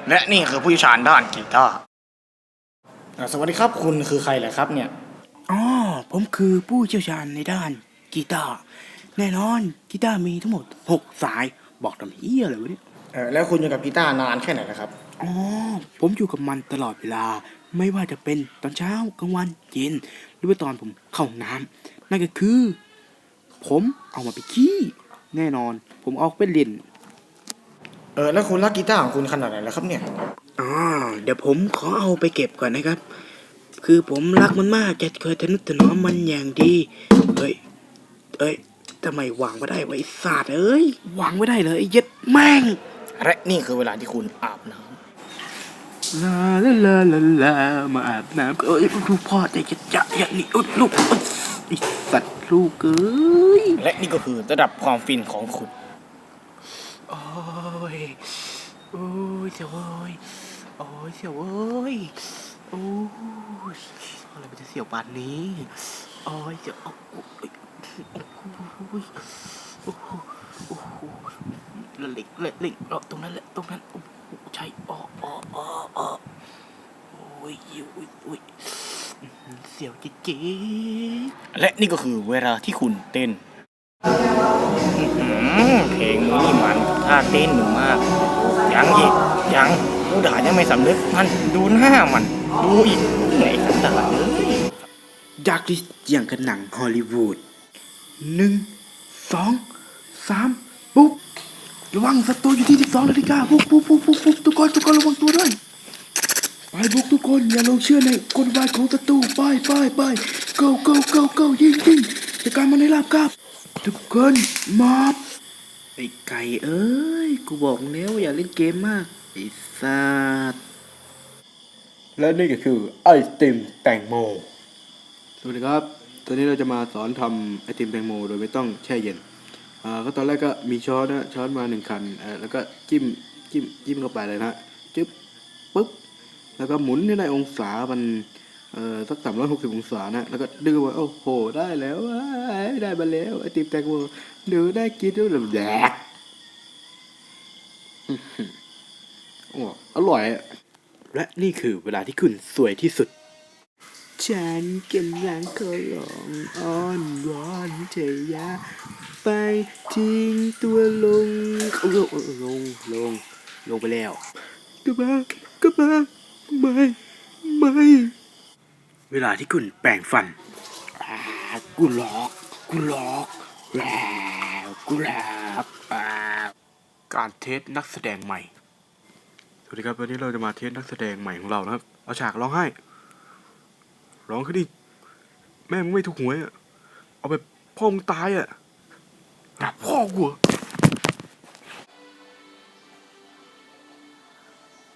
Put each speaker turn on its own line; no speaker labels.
และนี่คือผู้เชี่ยวชาญด้านกีตาร์สวัสดีครับคุณคือใครเหรอครับเนี่ย
อ๋อผมคือผู้เชี่ยวชาญในด้านกีตาร์แน่นอนกีตาร์มีทั้งหมด6 สายบอกทำเฮียอะไรวะเนี่ย
แล้วคุณอยู่กับกีตาร์นานแค่ไหนนะครับ
อ๋อผมอยู่กับมันตลอดเวลาไม่ว่าจะเป็นตอนเช้ากลางวันเย็นหรือว่าตอนผมเข้าห้องน้ำนั่นก็คือผมเอามาไปขี้แน่นอนผมเอาไปเล่น
แล้วคุณรักกีตาร์ของคุณขนาดไหนแล้วครับเนี่ย
อ๋อเดี๋ยวผมขอเอาไปเก็บก่อนนะครับคือผมรักมันมากจะเคยทนุถนอมมันอย่างดีเอ้ยทำไมวางไม่ได้ไว้ศาสตร์เอ้ยวางไม่ได้เลยไอ้เย็ดแม่ง
และนี่คือเวลาที่คุณอาบน้
ลาลาลาลาลามาอาบน้ำเอ้ยลูกพ่อใจจะอย่างนี้ลูกไอ้สัตว์ลูกเอ้ย
ำและนี่ก็คือระดับความฟินของคุณ
โอ้ยโอ้ยเสียวเว้ยโอ้ยเสียวเว้ยโอ้ยอะไรมันจะเสียวปานนี้โอ้ยเสียวโอ้ยโอ้ยโอ้โหโอ้โหละเล็กตรงนั้นแหละตรงนั้นโอ้ใช่อ๋อโอ้ยเสียวจี๊ด
และนี่ก็คือเวลาที่คุณเต้นเพลงนี้มันท่าเต้นหนึ่งมากยังอีกยังผู้ด่ายังไม่สำนึกมันดูหน้ามันดูอีกไหนสันดานเลย
ดักที่อย่างกับหนังฮอลลีวูด1 2 3ปุ๊บระวังศัตรูอยู่ที่12 นาฬิกาปุ๊บทุกคนระวังตัวด้วยไปบุกทุกคนอย่าลงเชื่อในกลวายของศัตรูไปgo ยิงจัดการมันให้ราบคาบทุกคนมอบไอ้ไก่เอ้ยกูบอกแล้วอย่าเล่นเกมมากไอ้สัตว์และนี่ก็คือไอติมแตงโมสวัสดีครับตอนนี้เราจะมาสอนทำไอติมแตงโมโดยไม่ต้องแช่เย็นก็ตอนแรกก็มีช้อนมา1 คันแล้วก็จิ้มเข้าไปเลยนะจึ๊บปึ๊บแล้วก็หมุนให้ได้องศามันสัก360 องศานะแล้วก็ดึงมาโอ้โหได้แล้วได้มาแล้วไอติมแตงโมดูได้กินด้วยแบบแดกโอ้อร่อยและนี่คือเวลาที่คุณสวยที่สุดฉันกำลังขอร้องอ้อนวอนเธออย่าไปทิ้งตัวลงไปแล้วกลับมาไม่เวลาที่คุณแปรงฟันกูหลอกแล้วการเทสนักแสดงใหม่สวัสดีครับวันนี้เราจะมาเทสนักแสดงใหม่ของเรานะครับเอาฉากร้องไห้ร้องขึ้นดิแม่มึงไม่ถูกหวยอ่ะเอาไปพ่อมึงตายอ่ะด่าพ่อกู